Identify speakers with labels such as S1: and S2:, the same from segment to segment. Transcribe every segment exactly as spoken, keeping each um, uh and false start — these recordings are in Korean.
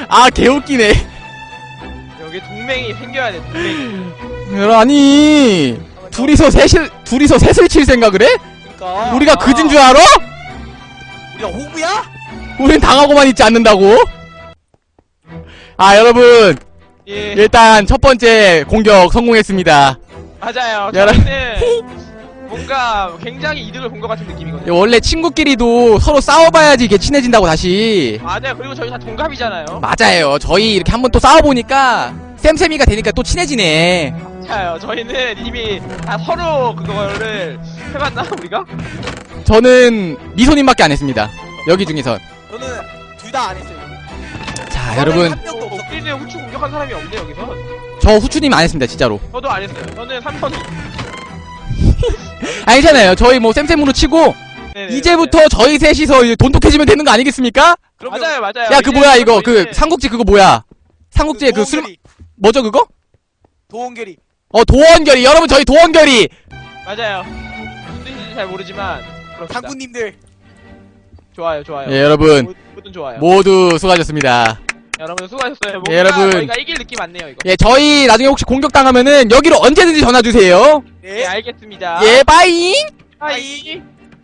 S1: 아 개웃기네.
S2: 여기 동맹이 생겨야 돼. 동맹이.
S1: 아니 둘이서 셋을 둘이서 셋을 칠 생각을 해?
S3: 그러니까
S1: 우리가 그진 줄 알아?
S3: 우리가 호구야?
S1: 우린 당하고만 있지 않는다고? 아 여러분
S2: 예.
S1: 일단 첫 번째 공격 성공했습니다.
S2: 맞아요.
S1: 여러-
S2: 저희는 뭔가 굉장히 이득을 본 것 같은 느낌이거든요.
S1: 원래 친구끼리도 서로 싸워봐야지 이게 친해진다고 다시.
S2: 맞아요. 그리고 저희 다 동갑이잖아요.
S1: 맞아요. 저희 이렇게 한번 또 싸워보니까 쌤쌤이가 되니까 또 친해지네.
S2: 맞아요. 저희는 이미 다 서로 그거를 해봤나 우리가?
S1: 저는 미소님밖에 안 했습니다. 여기 중에선.
S3: 저는 둘 다 안 했어요.
S1: 자 여러분
S3: 한 명도 없어.
S2: 우리는 후추 공격한 사람이 없네 여기서.
S1: 저 후추님 안 했습니다 진짜로.
S2: 저도 안 했어요. 저는 삼선이.
S1: 아니잖아요. 저희 뭐 쌤쌤으로 치고
S2: 네네,
S1: 이제부터 저희 셋이서 이제 돈독해지면 되는 거 아니겠습니까?
S2: 네네. 맞아요, 맞아요.
S1: 야 그 뭐야 이거 그
S2: 저희는
S1: 삼국지 그거 뭐야? 삼국지에 그 술 뭐죠 그거?
S3: 도원결이.
S1: 어 도원결이. 여러분 저희 도원결이.
S2: 맞아요. 무슨 뜻인지 잘 모르지만 그렇습니다.
S3: 장군님들.
S2: 좋아요, 좋아요.
S1: 예 여러분
S2: 모든 좋아요.
S1: 모두 수고하셨습니다.
S2: 여러분 수고하셨어요. 뭔가
S1: 예, 여러분.
S2: 저희가 이길 느낌 안 내요 이거.
S1: 예 저희 나중에 혹시 공격당하면은 여기로 언제든지 전화 주세요.
S2: 예, 알겠습니다.
S1: 예 빠잉.
S2: 하이.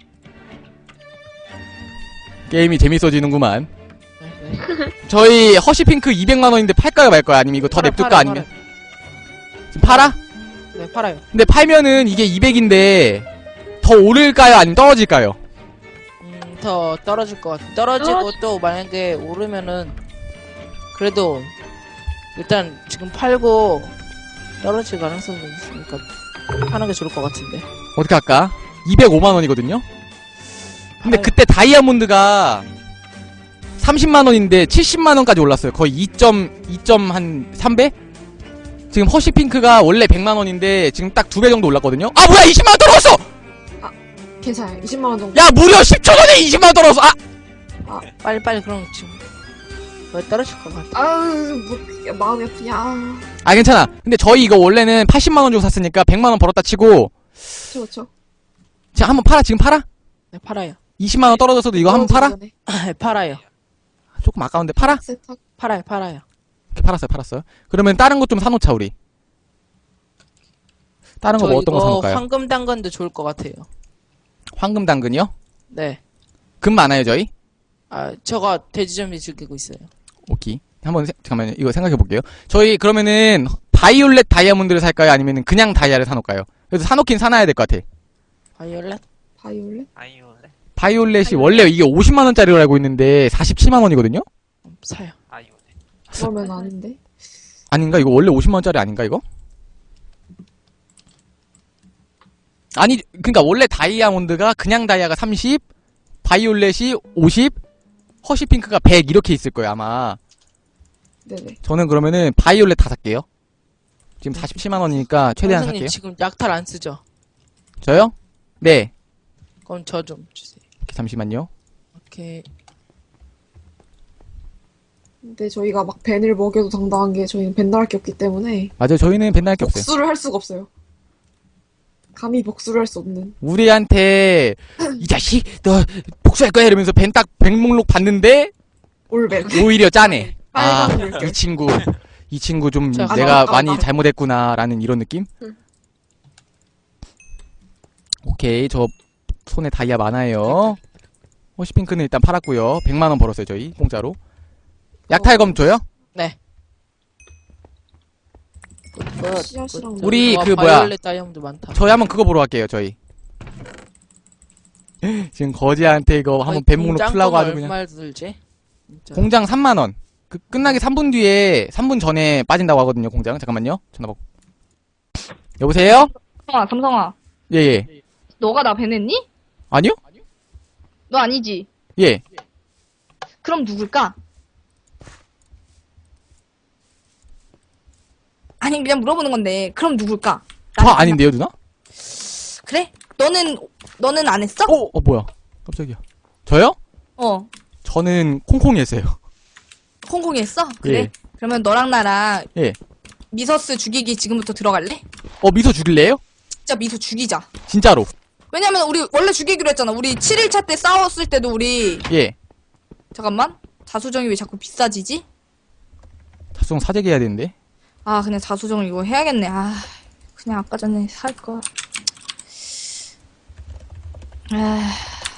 S1: 게임이 재밌어지는구만. 저희 허쉬핑크 이백만 원인데 팔까요 말까요? 아니면 이거 더
S4: 팔아,
S1: 냅둘까?
S4: 팔아,
S1: 아니면 지금 팔아?
S4: 네, 팔아요.
S1: 근데 팔면은 이게 이백인데 더 오를까요? 아니면 떨어질까요?
S4: 음, 더 떨어질 것 같아. 떨어지고 또 만약에 오르면은 그래도 일단 지금 팔고 떨어질 가능성이 있으니까 하는 게 좋을 것 같은데.
S1: 어떻게 할까? 이백오만 원이거든요? 근데
S4: 팔-
S1: 그때 다이아몬드가 삼십만 원인데 칠십만 원까지 올랐어요. 거의 이 점 한 삼 배? 지금 허쉬핑크가 원래 백만 원인데 지금 딱 두 배 정도 올랐거든요? 아 뭐야 이십만 원 떨어졌어!
S5: 괜찮아요. 이십만 원 정도.
S1: 야 무려 십 초 전에 이십만 원 떨어졌어! 아!
S4: 빨리 빨리 그럼 지금 왜 떨어질 것 같아.
S5: 아유, 뭐, 마음이 아프냐. 아,
S1: 아 괜찮아. 근데 저희 이거 원래는 팔십만 원 주고 샀으니까 백만 원 벌었다 치고
S5: 그쵸, 그쵸.
S1: 자 한번 팔아. 지금 팔아?
S4: 네, 팔아요.
S1: 이십만 원 떨어졌어도 이거 한번 팔아?
S5: 전에
S4: 네, 팔아요.
S1: 조금 아까운데 팔아?
S5: 세탁.
S4: 팔아요, 팔아요.
S1: 이렇게 팔았어요 팔았어요. 그러면 다른 것 좀 사놓자 우리. 다른 거
S4: 저
S1: 뭐 어떤 거
S4: 이거
S1: 사놓을까요?
S4: 황금 당근도 좋을 것 같아요.
S1: 황금 당근이요?
S4: 네.
S1: 금 많아요 저희?
S4: 아, 저가 돼지점이 즐기고 있어요.
S1: 오케이. 한번 세- 잠깐만요. 이거 생각해 볼게요. 저희 그러면은 바이올렛 다이아몬드를 살까요? 아니면은 그냥 다이아를 사놓을까요? 그래서 사놓긴 사놔야 될 것 같아.
S4: 바이올렛?
S5: 바이올렛?
S3: 아이올레.
S1: 바이올렛이 원래 이게 오십만 원짜리로 알고 있는데 사십칠만 원이거든요?
S4: 음, 사요.
S3: 아이올레.
S5: 그러면 아닌데.
S1: 아닌가? 이거 원래 오십만 원짜리 아닌가 이거? 아니 그러니까 원래 다이아몬드가 그냥 다이아가 삼십, 바이올렛이 오십, 허쉬핑크가 백 이렇게 있을 거예요 아마.
S5: 네네.
S1: 저는 그러면은 바이올렛 다 살게요. 지금 사십칠만 원이니까 최대한
S4: 선생님
S1: 살게요.
S4: 지금 약탈 안 쓰죠?
S1: 저요? 네.
S4: 그럼 저 좀 주세요.
S1: 잠시만요.
S4: 오케이.
S5: 근데 저희가 막 벤을 먹여도 당당한 게 저희는 벤 나갈 게 없기 때문에
S1: 맞아요. 저희는 벤날 게 없어요.
S5: 복수를 할 수가 없어요. 감히 복수를 할 수 없는.
S1: 우리한테 이 자식 너 복수할 거야 이러면서 벤 딱 백목록 봤는데
S5: 올벤.
S1: 오히려 짜네. 아,
S5: 빨간 물.
S1: 이 친구 이 친구 좀
S4: 자,
S1: 내가
S5: 아,
S1: 많이
S5: 아, 아.
S1: 잘못했구나라는 이런 느낌?
S5: 응.
S1: 오케이. 저 손에 다이아 많아요. 허쉬핑크는 일단 팔았고요. 백만 원 벌었어요, 저희. 공짜로. 약탈검 줘요?
S4: 네. 굿,
S5: 씨앗이랑
S4: 굿.
S1: 우리
S4: 와,
S1: 그 뭐야?
S4: 바이올렛 다이아몬드 많다.
S1: 저희 한번 그거 보러 갈게요, 저희. 지금 거지한테 이거 한번 뱀목록 풀라고 아주 그냥.
S4: 얼마 들지? 진짜.
S1: 공장 삼만 원. 그 끝나기 삼 분 뒤에 삼 분 전에 빠진다고 하거든요, 공장. 잠깐만요. 전화 받고. 여보세요?
S6: 삼성아, 삼성아.
S1: 예, 예.
S6: 너가 나 배냈니?
S1: 아니요?
S6: 너 아니지?
S1: 예.
S6: 그럼 누굴까? 아니, 그냥 물어보는 건데, 그럼 누굴까?
S1: 저
S6: 나는
S1: 아닌데요, 누나?
S6: 그래? 너는, 너는 안 했어?
S1: 어, 어, 뭐야. 깜짝이야. 저요?
S6: 어.
S1: 저는 콩콩이 했어요.
S6: 홍콩이 했어? 그래?
S1: 예.
S6: 그러면 너랑 나랑
S1: 예.
S6: 미서스 죽이기 지금부터 들어갈래?
S1: 어, 미소 죽일래요?
S6: 진짜 미소 죽이자.
S1: 진짜로.
S6: 왜냐면 우리 원래 죽이기로 했잖아. 우리 칠 일차 때 싸웠을 때도 우리
S1: 예.
S6: 잠깐만. 자수정이 왜 자꾸 비싸지지?
S1: 자수성 사재기 해야 되는데.
S6: 아, 그냥 자수정 이거 해야겠네. 아, 그냥 아까 전에 살 거. 아,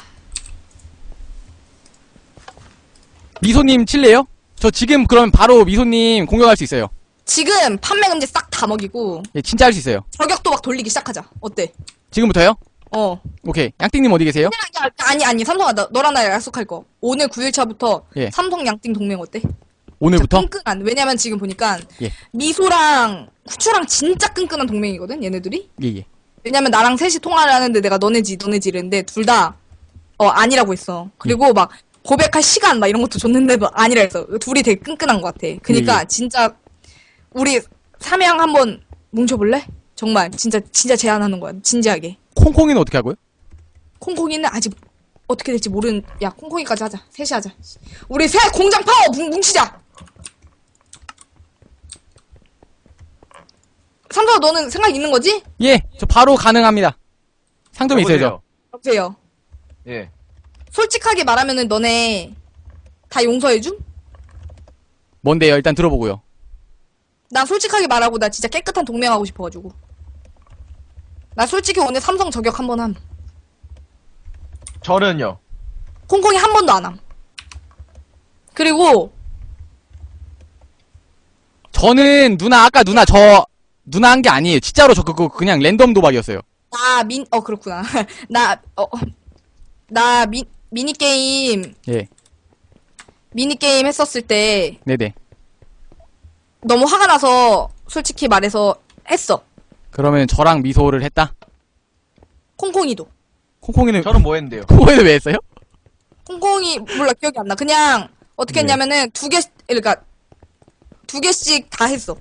S1: 미소님 칠래요? 저 지금 그럼 바로 미소님 공격할 수 있어요.
S6: 지금 판매 금지 싹 다 먹이고
S1: 예, 진짜 할 수 있어요.
S6: 저격도 막 돌리기 시작하자. 어때?
S1: 지금부터요?
S6: 어.
S1: 오케이. 양띵님 어디 계세요?
S6: 야, 아니 아니 삼성아 너, 너랑 나 약속할 거. 오늘 구 일차부터
S1: 예.
S6: 삼성 양띵 동맹 어때?
S1: 오늘부터?
S6: 진짜 끈끈한. 왜냐면 지금 보니까
S1: 예.
S6: 미소랑 후추랑 진짜 끈끈한 동맹이거든. 얘네들이.
S1: 예, 예.
S6: 왜냐면 나랑 셋이 통화를 하는데 내가 너네지 너네지 이랬는데 둘 다 어 아니라고 했어. 그리고 막 고백할 시간 막 이런 것도 줬는데도 아니라 했어. 둘이 되게 끈끈한 것 같아. 그니까
S1: 예, 예.
S6: 진짜 우리 삼양 한번 뭉쳐볼래? 정말 진짜 진짜 제안하는 거야. 진지하게.
S1: 콩콩이는 어떻게 하고요?
S6: 콩콩이는 아직 어떻게 될지 모르는. 야 콩콩이까지 하자. 셋이 하자. 우리 셋 공장 파워 뭉, 뭉치자. 삼성아 너는 생각 있는 거지?
S1: 예, 저 바로 가능합니다. 상점에 있어야죠.
S2: 여보세요?
S6: 여보세요.
S2: 예.
S6: 솔직하게 말하면은 너네 다 용서해줌?
S1: 뭔데요? 일단 들어보고요.
S6: 나 솔직하게 말하고 나 진짜 깨끗한 동맹하고 싶어가지고. 나 솔직히 오늘 삼성 저격 한 번 함.
S2: 저는요.
S6: 콩콩이 한 번도 안 함. 그리고
S1: 저는 누나 아까 누나 저 누나 한 게 아니에요. 진짜로 저 그거 그냥 랜덤 도박이었어요.
S6: 나 민 어 그렇구나. 나 어 나 미 미니 게임
S1: 예,
S6: 미니 게임 했었을 때
S1: 네네.
S6: 너무 화가 나서 솔직히 말해서 했어.
S1: 그러면 저랑 미소를 했다.
S6: 콩콩이도.
S1: 콩콩이는
S2: 저는 뭐 했는데요?
S1: 콩콩이는 왜 했어요?
S6: 콩콩이 몰라 기억이 안 나. 그냥 어떻게
S1: 네.
S6: 했냐면은 두 개 그러니까 두 개씩 다 했어.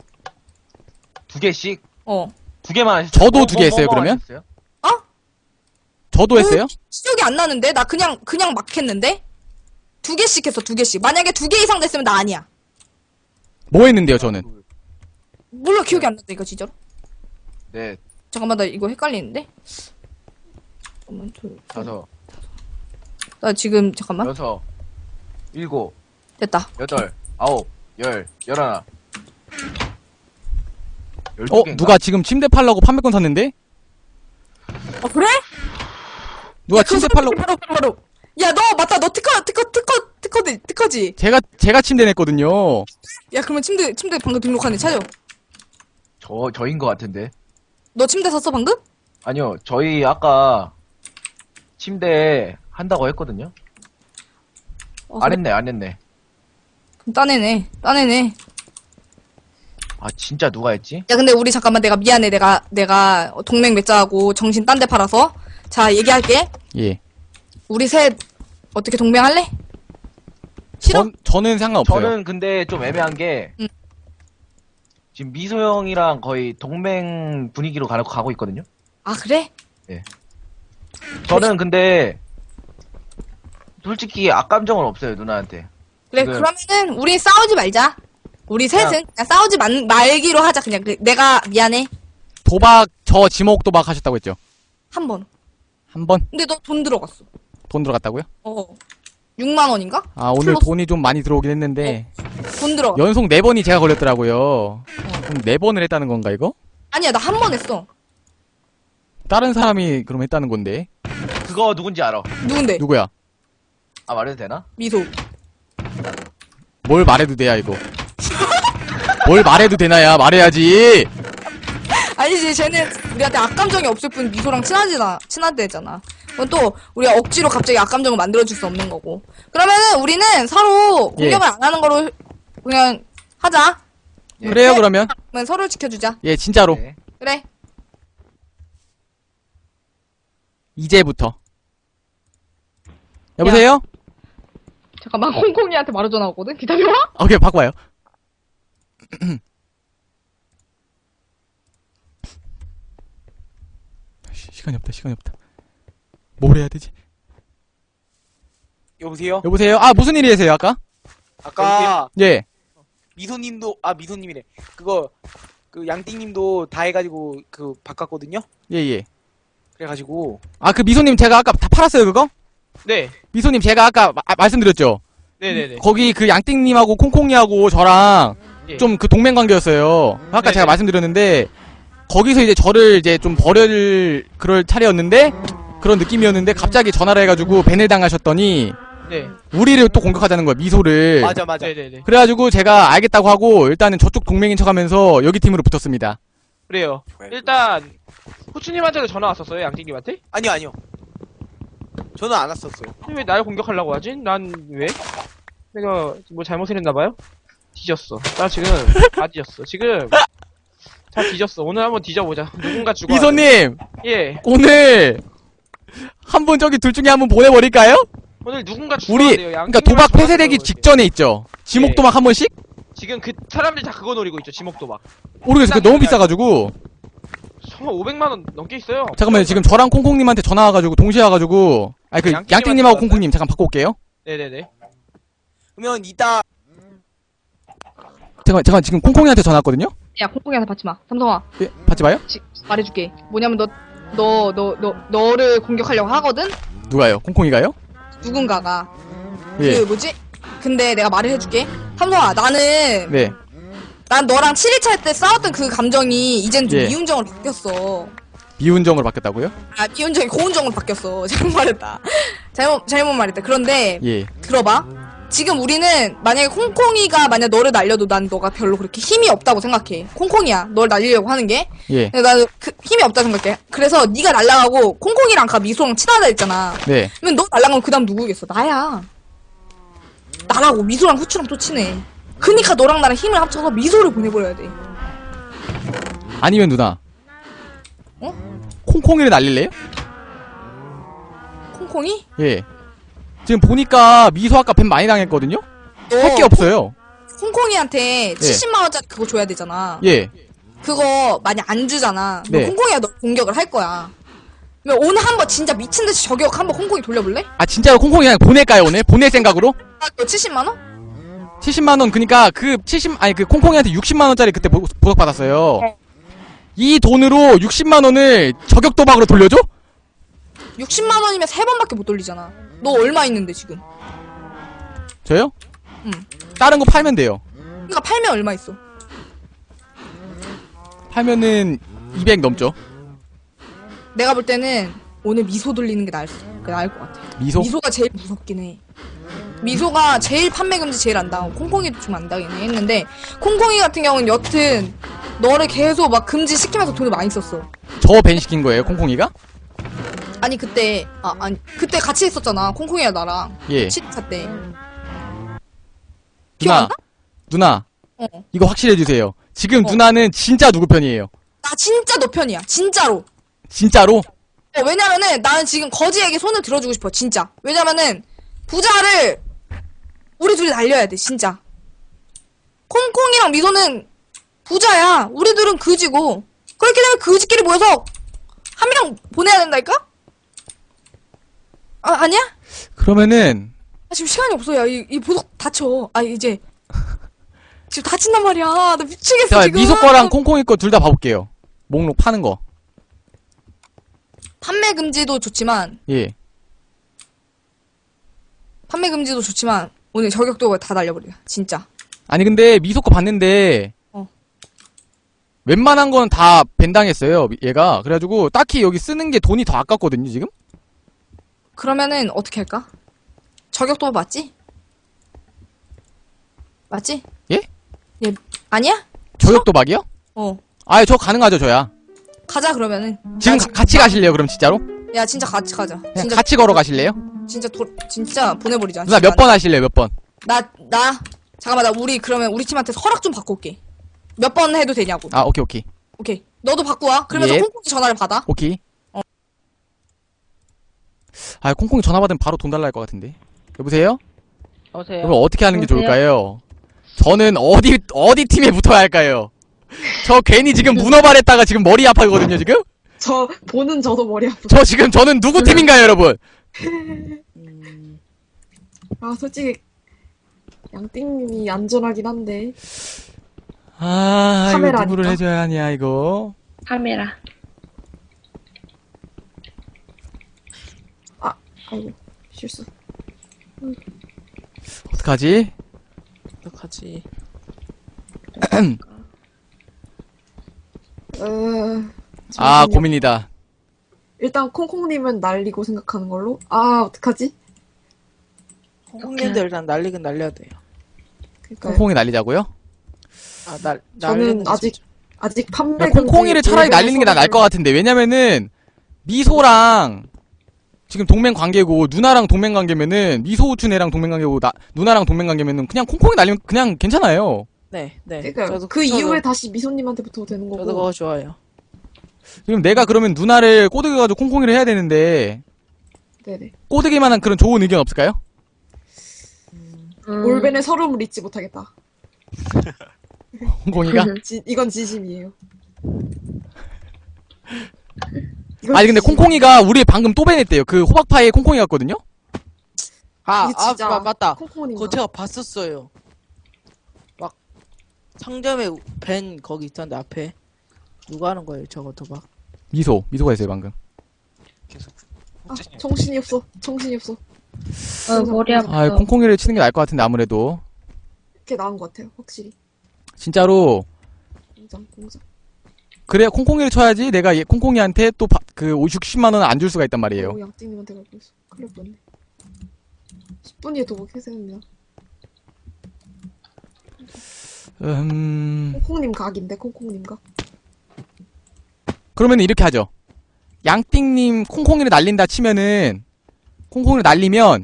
S2: 두 개씩?
S6: 어.
S2: 두 개만 하셨어요?
S1: 저도
S2: 뭐,
S1: 두개
S2: 뭐,
S1: 했어요,
S2: 뭐
S1: 그러면?
S2: 하셨어요?
S1: 저도 했어요?
S6: 기억이 안 나는데? 나 그냥, 그냥 막 했는데? 두 개씩 했어, 두 개씩. 만약에 두 개 이상 됐으면 나 아니야.
S1: 뭐 했는데요, 저는?
S6: 몰라, 기억이 안 난다니까, 진짜로.
S2: 네.
S6: 잠깐만, 나 이거 헷갈리는데? 잠깐만, 둘, 셋.
S2: 다섯,
S6: 나 지금, 잠깐만.
S2: 여섯, 일곱,
S6: 됐다.
S2: 여덟, 아홉, 열, 열하나. 열두
S1: 어,
S2: 개인가?
S1: 누가 지금 침대 팔라고 판매권 샀는데?
S6: 어, 그래?
S1: 누가
S6: 야, 그거
S1: 침대 팔라고?
S6: 바로, 바로, 바로. 야, 너, 맞다, 너 특허, 특허, 특허, 특허, 특허지?
S1: 제가 제가 침대 냈거든요.
S6: 야, 그러면 침대, 침대 방금 등록한 애 찾아.
S2: 저, 저인 것 같은데.
S6: 너 침대 샀어, 방금?
S2: 아니요, 저희 아까 침대 한다고 했거든요.
S6: 어,
S2: 안
S6: 그래?
S2: 했네, 안 했네.
S6: 그럼 따내네, 따내네.
S2: 아, 진짜 누가 했지?
S6: 야, 근데 우리 잠깐만, 내가 미안해. 내가, 내가 동맹 맺자고 정신 딴 데 팔아서. 자, 얘기할게.
S1: 예.
S6: 우리 셋, 어떻게 동맹할래? 싫어?
S1: 전, 저는 상관없어요.
S2: 저는 근데 좀 애매한 게,
S6: 응.
S2: 지금 미소 형이랑 거의 동맹 분위기로 가, 가고 있거든요?
S6: 아, 그래?
S2: 저는 근데, 솔직히 악감정은 없어요, 누나한테.
S6: 그래,
S2: 지금-
S6: 그러면은, 우리 싸우지 말자. 우리 셋은 그냥 싸우지 말, 말기로 하자. 그냥, 그, 내가 미안해.
S1: 도박 저 지목 도박 하셨다고 했죠.
S6: 한 번.
S1: 한 번
S6: 근데 너 돈 들어갔어.
S1: 돈 들어갔다고요?
S6: 어. 육만 원인가?
S1: 아, 오늘
S6: 플러스.
S1: 돈이 좀 많이 들어오긴 했는데
S6: 돈 들어가.
S1: 연속 네 번이 제가 걸렸더라고요. 그럼 네 번을 했다는 건가 이거?
S6: 아니야, 나 한 번 했어.
S1: 다른 사람이 그럼 했다는 건데.
S2: 그거 누군지 알아.
S6: 누군데?
S1: 누구야?
S2: 아, 말해도 되나?
S6: 미소.
S1: 뭘 말해도 돼야 이거. 뭘 말해도 되나야 말해야지.
S6: 아니지, 쟤는 우리한테 악감정이 없을 뿐 미소랑 친하지나, 친하대잖아. 그건 또, 우리가 억지로 갑자기 악감정을 만들어줄 수 없는 거고. 그러면은 우리는 서로
S1: 예.
S6: 공격을 안 하는 거로 그냥 하자.
S2: 예.
S1: 그래요 그러면.
S6: 그러면 서로를 지켜주자.
S1: 예 진짜로.
S2: 네.
S6: 그래.
S1: 이제부터. 여보세요?
S6: 잠깐만, 홍콩이한테 바로 전화 오거든? 기다려봐.
S1: 오케이 바꿔요. 시- 시간이 없다 시간이 없다. 뭘 해야 되지?
S3: 여보세요?
S1: 여보세요? 아 무슨 일이세요 아까?
S3: 아까
S1: 예.
S3: 미소님도 아 미소님이래. 그거 그 양띵님도 다 해가지고 그 바꿨거든요.
S1: 예예.
S3: 그래가지고
S1: 아 그 미소님 제가 아까 다 팔았어요 그거?
S2: 네.
S1: 미소님 제가 아까 마- 말씀드렸죠?
S2: 네네네.
S1: 거기 그 양띵님하고 콩콩이하고 저랑
S2: 예.
S1: 좀 그 동맹 관계였어요. 아까
S2: 네네.
S1: 제가 말씀드렸는데 거기서 이제 저를 이제 좀 버릴 그럴 차례였는데 그런 느낌이었는데 갑자기 전화를 해가지고 밴을 당하셨더니
S2: 네.
S1: 우리를 또 공격하자는 거야, 미소를.
S3: 맞아 맞아.
S2: 네네네.
S1: 그래가지고 제가 알겠다고 하고 일단은 저쪽 동맹인 척하면서 여기 팀으로 붙었습니다.
S2: 그래요. 일단 후추님한테도 전화 왔었어요, 양띵님한테?
S3: 아니요 아니요. 저는 안 왔었어요.
S2: 왜 날 공격하려고 하지? 난 왜? 내가 뭐 잘못을 했나봐요? 뒤졌어. 나 지금 다 뒤졌어. 지금 다 뒤졌어. 오늘 한번 뒤져보자. 누군가 죽어.
S1: 미소님
S2: 예.
S1: 오늘 한 분 저기 둘 중에 한 분 보내버릴까요?
S2: 오늘 누군가 죽어야
S1: 우리
S2: 돼요.
S1: 그러니까 도박 폐쇄되기 직전에 있죠. 지목
S2: 예.
S1: 도박 한 번씩?
S2: 지금 그 사람들이 다 그거 노리고 있죠. 지목 도박.
S1: 모르겠어. 그 너무 비싸가지고.
S2: 정말 오백만 원 넘게 있어요.
S1: 잠깐만요. 지금 저랑 콩콩님한테 전화 와가지고 동시에 와가지고. 아니 그
S2: 양띵님한테
S1: 양띵님하고
S2: 전화
S1: 콩콩님 잠깐 바꿔 올게요.
S2: 네네네.
S3: 그러면 이따
S1: 잠깐 잠깐 지금 콩콩이한테 전화 왔거든요.
S6: 야, 콩콩이한테 받지 마. 삼성아,
S1: 예, 받지 마요?
S6: 지, 말해줄게. 뭐냐면 너, 너, 너, 너, 너를 공격하려고 하거든?
S1: 누가요? 콩콩이가요?
S6: 누군가가.
S1: 예.
S6: 그, 뭐지? 근데 내가 말을 해줄게. 삼성아, 나는,
S1: 네.
S6: 난 너랑 칠 일차 할 때 싸웠던 그 감정이 이젠 좀
S1: 예.
S6: 미운정으로 바뀌었어.
S1: 미운정으로 바뀌었다고요?
S6: 아, 미운정이 고운정으로 바뀌었어. 잘못 말했다. 잘못, 잘못 말했다. 그런데,
S1: 예.
S6: 들어봐. 지금 우리는 만약에 콩콩이가 만약 너를 날려도 난 너가 별로 그렇게 힘이 없다고 생각해. 콩콩이야. 널 날리려고 하는 게.
S1: 예.
S6: 근데 나는 그 힘이 없다 생각해. 그래서 네가 날라가고 콩콩이랑 가 미소랑 친하다 했잖아.
S1: 네.
S6: 그러면 너 날라가면 그다음 누구겠어? 나야. 나라고 미소랑 후추랑 또 친해. 그니까 너랑 나랑 힘을 합쳐서 미소를 보내버려야 돼.
S1: 아니면 누나.
S6: 어?
S1: 콩콩이를 날릴래요?
S6: 콩콩이?
S1: 예. 지금 보니까 미소 아까 뱀 많이 당했거든요? 할 게
S6: 너
S1: 없어요.
S6: 콩콩이한테 칠십만 원짜리 그거 줘야 되잖아.
S1: 예.
S6: 그거 만약 안 주잖아.
S1: 네.
S6: 그럼 콩콩이가 너 공격을 할 거야. 그러면 오늘 한번 진짜 미친듯이 저격 한번 콩콩이 돌려볼래?
S1: 아, 진짜로 콩콩이 그냥 보낼까요, 오늘? 보낼 생각으로?
S6: 아, 너 칠십만 원?
S1: 칠십만 원, 그니까 그 칠십, 아니 그 콩콩이한테 육십만 원짜리 그때 보, 보석받았어요. 이 돈으로 육십만 원을 저격 도박으로 돌려줘?
S6: 육십만 원이면 세 번밖에 못 돌리잖아. 너 얼마 있는데 지금?
S1: 저요?
S6: 응.
S1: 다른 거 팔면 돼요.
S6: 그러니까 팔면 얼마 있어?
S1: 팔면은 이백 넘죠.
S6: 내가 볼 때는 오늘 미소 돌리는 게 나을, 수- 그 나을 것 같아.
S1: 미소?
S6: 미소가 제일 무섭긴 해. 미소가 제일 판매 금지 제일 안 당하고 콩콩이도 좀 안 당하긴 했는데 콩콩이 같은 경우는 여튼 너를 계속 막 금지시키면서 돈을 많이 썼어.
S1: 저 밴 시킨 거예요, 콩콩이가?
S6: 아니 그때 아 아니 그때 같이 했었잖아. 콩콩이랑 나랑
S1: 예.
S6: 칠 차 때.
S1: 누나,
S6: 기억나?
S1: 누나,
S6: 어.
S1: 이거 확실해주세요. 지금
S6: 어.
S1: 누나는 진짜 누구 편이에요?
S6: 나 진짜 너 편이야. 진짜로.
S1: 진짜로?
S6: 어, 왜냐면은 나는 지금 거지에게 손을 들어주고 싶어. 진짜. 왜냐면은 부자를 우리 둘이 날려야 돼. 진짜. 콩콩이랑 미소는 부자야. 우리들은 그지고. 그렇게 되면 그지끼리 모여서 한 명 보내야 된다니까? 아, 아니야?
S1: 그러면은,
S6: 아, 지금 시간이 없어. 야, 이, 이 보석 다쳐. 아, 이제. 지금 다친단 말이야. 나 미치겠어,
S1: 자,
S6: 지금.
S1: 미소 거랑 콩콩이 거 둘 다 봐볼게요. 목록 파는 거.
S6: 판매 금지도 좋지만,
S1: 예.
S6: 판매 금지도 좋지만, 오늘 저격도 다 날려버려. 진짜.
S1: 아니, 근데 미소 거 봤는데,
S6: 어.
S1: 웬만한 건 다 밴당했어요, 얘가. 그래가지고, 딱히 여기 쓰는 게 돈이 더 아깝거든요, 지금?
S6: 그러면은 어떻게 할까? 저격도 맞지? 맞지?
S1: 예?
S6: 예. 아니야?
S1: 저격 도박이요?
S6: 어.
S1: 아예 저 가능하죠, 저야.
S6: 가자 그러면은.
S1: 지금
S6: 나
S1: 가- 같이 가실래요, 그럼 진짜로?
S6: 야 진짜 같이 가자.
S1: 그냥
S6: 진짜
S1: 같이 걸어가실래요?
S6: 진짜 도, 진짜 보내버리자.
S1: 누나 몇 번 하실래요, 몇 번?
S6: 나나 잠깐만 나 우리 그러면 우리 팀한테 허락 좀 받고 올게. 몇 번 해도 되냐고.
S1: 아, 오케이, 오케이.
S6: 오케이. 너도 받고 와. 그러면서
S1: 예.
S6: 콩콩이 전화를 받아.
S1: 오케이.
S6: 어.
S1: 아, 콩콩이 전화 받으면 바로 돈 달라 할 것 같은데. 여보세요?
S2: 여보세요.
S1: 그럼 어떻게 하는 게
S6: 여보세요?
S1: 좋을까요? 저는 어디, 어디 팀에 붙어야 할까요? 저 괜히 지금 문어발했다가 지금 머리 아파거든요, 지금?
S5: 저 보는 저도 머리 아프고.
S1: 저 지금, 저는 누구 팀인가요, 여러분?
S5: 아 솔직히 양띵님이 안전하긴 한데.
S1: 아, 이거
S5: 카메라니까.
S1: 누구를 해줘야 하냐, 이거.
S7: 카메라.
S5: 아이고 실수.
S1: 어떡하지?
S4: 어떡하지?
S5: 어,
S1: 아,
S5: 잠시만요.
S1: 고민이다.
S5: 일단 콩콩님은 날리고 생각하는 걸로. 아, 어떡하지?
S4: 콩콩님들 일단 날리긴 날려야 돼요.
S5: 그러니까
S1: 콩콩이 날리자고요?
S4: 아, 날,
S5: 저는
S4: 날리는 게
S5: 아직
S4: 진짜.
S5: 아직 판매
S1: 야, 콩콩이를 차라리 날리는 게 나 나을 것 같은데. 왜냐면은, 미소랑, 지금 동맹 관계고, 누나랑 동맹 관계면은, 미소우춘 애랑 동맹 관계고, 나, 누나랑 동맹 관계면은, 그냥 콩콩이 날리면 그냥 괜찮아요.
S4: 네, 네.
S5: 그러니까
S4: 저도,
S5: 그
S4: 저도,
S5: 이후에 다시 미소님한테 붙어도 되는 거고.
S4: 저도 그거 좋아요.
S1: 그럼 내가 그러면 누나를 꼬드겨가지고 콩콩이를 해야 되는데,
S5: 네네.
S1: 꼬드기만한 그런 좋은 의견 없을까요?
S4: 음,
S5: 올벤의 서름을 잊지 못하겠다.
S1: 콩콩이가?
S5: 지- 이건 진심이에요. 이건
S1: 아니 근데
S5: 진심.
S1: 콩콩이가 우리 방금 또 밴했대요. 그 호박파이에 콩콩이 갔거든요?
S4: 아,
S5: 이게
S4: 아,
S5: 진짜
S4: 마- 맞다.
S5: 콩콩님.
S4: 그거 제가 봤었어요. 막, 상점에 벤 거기 있던데, 앞에. 누가 하는 거예요, 저거 도박?
S1: 미소, 미소가 있어요 방금.
S7: 계속
S5: 아,
S7: 흑제님.
S5: 정신이 없어. 정신이 없어.
S8: 어, 머리 아파.
S1: 아 콩콩이를 치는 게 나을 것 같은데 아무래도.
S5: 이렇게 나은 것 같아요. 확실히.
S1: 진짜로
S5: 공장, 공장.
S1: 그래야 콩콩이를 쳐야지 내가 얘 콩콩이한테 또 그 육십만 원 안 줄 수가 있단 말이에요.
S5: 오, 양띵님한테 갈고 있어. 큰일 날 뻔네. 십 분 뒤에 도박 해세웁니다.
S1: 음...
S5: 콩콩님 각인데, 콩콩님 각.
S1: 그러면 이렇게 하죠. 양띵님 콩콩이를 날린다 치면은 콩콩이를 날리면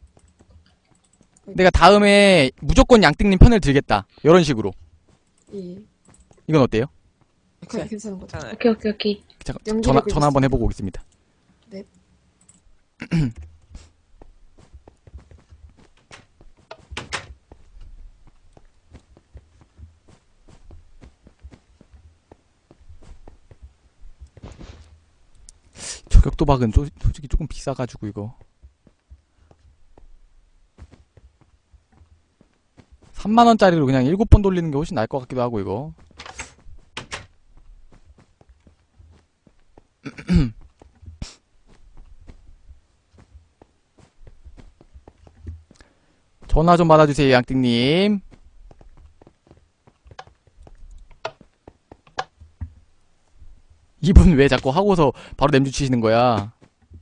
S1: 내가 다음에 무조건 양띵님 편을 들겠다. 이런 식으로.
S5: 예.
S1: 이건 어때요?
S5: 그냥 괜찮은 것 같아요.
S7: 괜찮아요.
S8: 오케이, 오케이, 오케이.
S1: 잠깐
S5: 연기를
S1: 전화
S5: 그리고
S1: 전화 한번 해보고 오겠습니다.
S5: 네.
S1: 저격 도박은 소, 솔직히 조금 비싸가지고 이거 삼만 원짜리로 그냥 일곱 번 돌리는 게 훨씬 나을 것 같기도 하고 이거. 전화 좀 받아주세요 양띵님. 이분 왜 자꾸 하고서 바로 냄주 치시는 거야?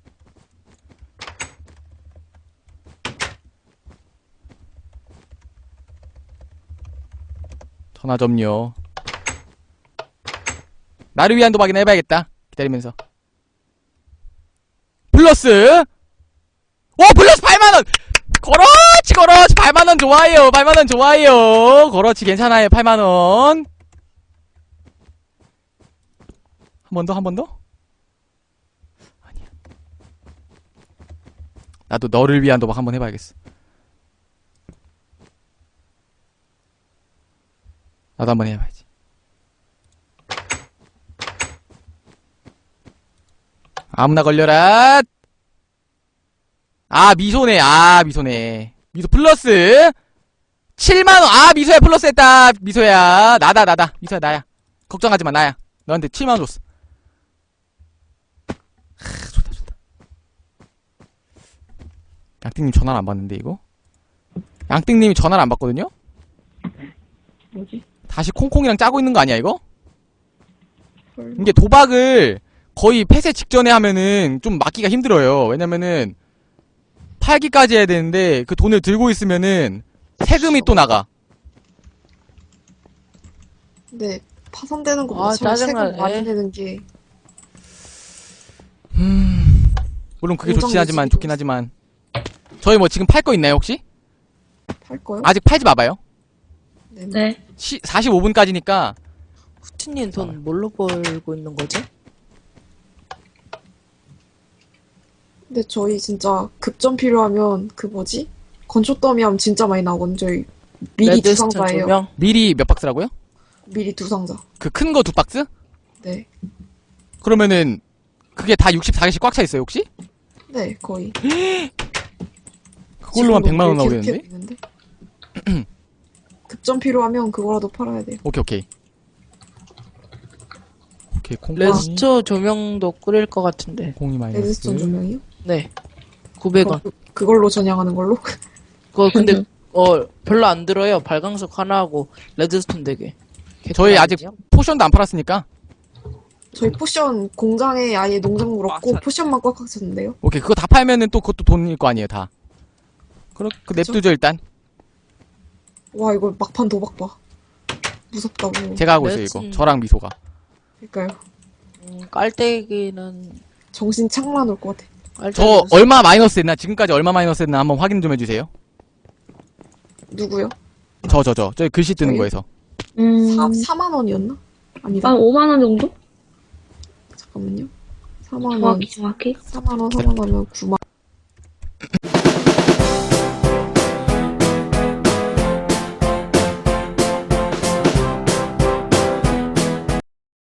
S1: 전화 좀요. 나를 위한 도박이나 해봐야겠다. 기다리면서. 플러스! 오! 플러스 팔만 원! 그렇지, 그렇지! 팔만 원 좋아요! 팔만 원 좋아요! 그렇지, 괜찮아요, 팔만 원. 한 번 더, 한 번 더? 아니야. 나도 너를 위한 도박 한번 해봐야겠어. 나도 한번 해봐야지. 아무나 걸려라! 아, 미소네. 아, 미소네. 미소 플러스! 칠만 원! 아, 미소야 플러스 했다! 미소야. 나다, 나다. 미소야, 나야. 걱정하지 마, 나야. 너한테 칠만 원 줬어. 하, 좋다, 좋다. 양띵님 전화를 안 받는데, 이거? 양띵님이 전화를 안 받거든요?
S5: 뭐지?
S1: 다시 콩콩이랑 짜고 있는 거 아니야, 이거?
S5: 설마.
S1: 이게 도박을 거의 폐쇄 직전에 하면은 좀 막기가 힘들어요. 왜냐면은 팔기까지 해야 되는데 그 돈을 들고 있으면은 세금이 또 나가.
S5: 근데 파산되는
S4: 아,
S5: 것보다 차라리
S4: 짜증나네.
S5: 세금 많이 내는 게
S1: 음... 물론 그게
S5: 공장
S1: 좋긴 하지만
S5: 매직이도
S1: 좋긴 하지만 저희 뭐 지금 팔 거 있나요 혹시?
S5: 팔 거요?
S1: 아직 팔지 마봐요.
S5: 네.
S8: 네.
S1: 시, 사십오 분까지니까
S4: 후티님 돈 뭘로 벌고 있는 거지?
S5: 근데 저희 진짜 급전 필요하면 그 뭐지? 건초 더미 하면 진짜 많이 나오거든요. 저희 미리 두
S4: 레드스톤
S5: 상자예요.
S4: 조명?
S1: 미리 몇 박스라고요?
S5: 미리 두 상자.
S1: 그 큰 거 두 박스?
S5: 네.
S1: 그러면은 그게 다 육십사 개씩 꽉 차 있어요 혹시?
S5: 네, 거의.
S1: 그걸로만
S5: 지금도
S1: 백만 원
S5: 계속
S1: 나오겠는데?
S5: 있는데? 급전 필요하면 그거라도 팔아야 돼요.
S1: 오케이 오케이 오케이 콩콩이
S4: 레드스톤 조명도 끓일 것 같은데.
S1: 콩콩이 마이너스
S5: 레드스톤 조명이요?
S4: 네. 구백 원.
S5: 그, 그걸로 전향하는 걸로?
S4: 그거 근데, 어, 별로 안 들어요. 발광석 하나 하고, 레드스톤 네 개.
S1: 저희 아직 포션도 안 팔았으니까.
S5: 저희 포션 공장에 아예 농작물 없고
S3: 맞아.
S5: 포션만 꽉꽉 찼는데요.
S1: 오케이, 그거 다 팔면은 또 그것도 돈일 거 아니에요, 다. 그럼 그
S5: 그쵸?
S1: 냅두죠, 일단.
S5: 와 이거 막판 도박 봐. 무섭다고.
S1: 제가 하고 있어요, 이거.
S4: 매진.
S1: 저랑 미소가.
S5: 그러니까요.
S4: 음, 깔때기는
S5: 정신 창만 올 것 같아.
S1: 저
S4: 깔때기는
S1: 얼마 마이너스 했나? 지금까지 얼마 마이너스 했나 한번 확인 좀 해주세요.
S5: 누구요?
S1: 저, 저, 저. 저기 글씨 뜨는
S5: 저요?
S1: 거에서.
S8: 음,
S5: 사, 사만 원이었나? 아니다.
S8: 한 오만 원 정도?
S5: 잠깐만요. 사만 원.
S8: 정확히, 정확히.
S5: 사만 원, 사만 원이면 구만